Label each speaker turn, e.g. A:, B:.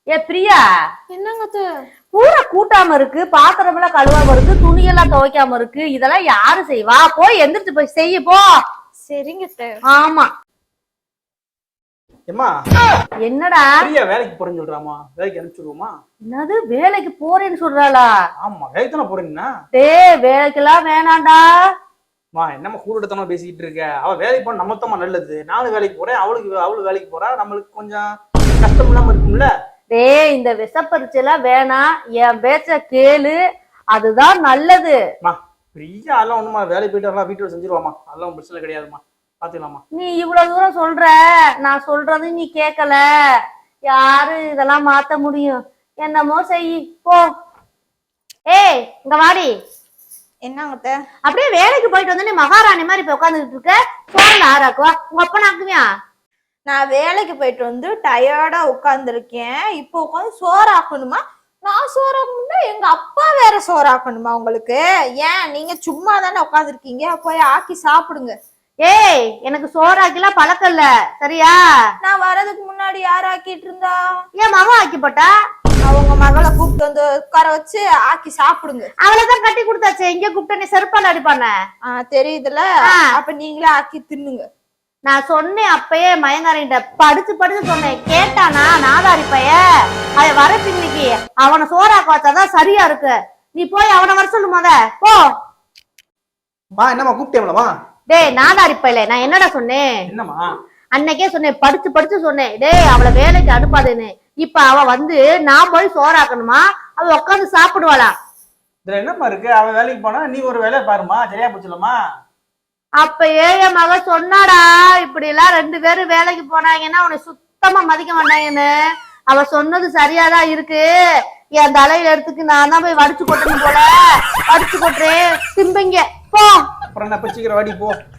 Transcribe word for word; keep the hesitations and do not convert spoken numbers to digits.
A: ஏ பிரியா,
B: என்னங்க
A: பூரா கூட்டாம இருக்கு, பாத்திரம் எல்லாம் கழுவாம இருக்கு, துணியெல்லாம் துவைக்காம இருக்கு. இதெல்லாம் யாரு செய்வா? போய் எந்திரிச்சு போய் செய்ய போ.
B: சரிங்க.
A: ஆமா. என்னடா
C: வேலைக்கு போறேன்னு சொல்றாமா? வேலைக்கு அனுப்பிச்சுடுவோமா?
A: என்னது வேலைக்கு போறேன்னு சொல்றாளா?
C: ஆமா, வேலைக்கு தானே போறேன்னா.
A: டேய், வேலைக்கெல்லாம் வேணாண்டா.
C: மா என்னம்மா கூடத்தனமா பேசிக்கிட்டு இருக்க? அவ வேலைக்கு போன நம்மத்தமா நல்லது. நானும் வேலைக்கு போறேன், அவளுக்கு அவளு வேலைக்கு போறா. நம்மளுக்கு கொஞ்சம் கஷ்டம் இல்லாம இருக்கும்ல.
A: டேய், இந்த விஷப்பரிச்செல்லாம் வேணாம், என் பேச்ச கேளு, அதுதான் நல்லது.
C: மா பிரியா அதெல்லாம் ஒண்ணுமா, வேலைக்கு போயிட்டு அதெல்லாம் வீட்டுல செஞ்சிருவாமா, அதெல்லாம் பிரச்சனை கிடையாதுமா, பாத்துக்கலாமா.
A: நீ இவ்வளவு தூரம் சொல்ற, நான் சொல்றது நீ கேட்கல. யாரு இதெல்லாம் மாத்த முடியும்? என்னமோ செய் போ. ஏய் இங்க வாடி.
B: என்னங்க?
A: அப்படியே வேலைக்கு போயிட்டு வந்து நீ மகாராணி மாதிரி இப்ப உட்காந்துட்டு இருக்க. சோறுல ஆறாக்குவா, உங்க அப்பா நாக்குவியா?
B: நான் வேலைக்கு போயிட்டு வந்து டயர்டா உட்காந்துருக்கேன், இப்போ உட்காந்து சோறாக்கணுமா? நான் சோறாக்கணும்னா எங்க அப்பா வேற சோறாக்கணுமா உங்களுக்கு? ஏன் நீங்க சும்மா தானே உட்காந்துருக்கீங்க, போய் ஆக்கி சாப்பிடுங்க.
A: ஏய், எனக்கு சோறாக்கிலாம் பழக்கம் இல்ல, சரியா?
B: நான் வர்றதுக்கு முன்னாடி யார் ஆக்கிட்டு இருந்தா?
A: ஏன் மகன் ஆக்கி போட்டா?
B: அவங்க மகளை கூப்பிட்டு வந்து உட்கார வச்சு ஆக்கி சாப்பிடுங்க.
A: அவளைதான் கட்டி கொடுத்தாச்சு, இங்க கூப்பிட்டு நீ செருப்பால அடிப்பான.
B: ஆஹ் தெரியுதுல, அப்ப நீங்களே ஆக்கி தின்னுங்க.
A: நான் சொன்னேன் அப்பயே மயங்காரிட்ட, படிச்சு படிச்சு சொன்னேன், கேட்டானா நாதாரி பைய. அவன் வர பின்னிக்கு அவனை சோறாக்க வச்சாதான் சரியா இருக்கு. நீ போய் அவனை வர சொல்லு முத போ.
C: என்னமா கூப்பிட்டேம்லமா?
A: டேய் நாதாரி பையல, நான் என்னடா சொன்னேன்?
C: என்னமா
A: அன்னைக்கே சொன்னேன், படிச்சு படிச்சு சொன்னேன், டேய் அவளை வேலைக்கு அனுப்பாதுன்னு. இப்ப அவ வந்து நான் போய் சோறாக்கணுமா, அவ உட்காந்து சாப்பிடுவாளா?
C: இதுல என்னமா இருக்கு? அவ வேலைக்கு போனா நீ ஒரு வேலையை பாருமா, சரியா போச்சுலமா?
A: அப்ப ஏய மக சொன்னாடா, இப்படி எல்லாம் ரெண்டு பேரும் வேலைக்கு போனாங்கன்னா உன்னை சுத்தமா மதிக்க மாட்டாங்கன்னு. அவ சொன்னது சரியாதான் இருக்கு. என் தலையில எடுத்துக்கு நான் தான் போய் வடிச்சு கொட்டணும் போல. வடிச்சு கொட்டுறேன், திம்பங்க போ.
C: அப்புறம் என்ன, சீக்கிரம் வாடி போ.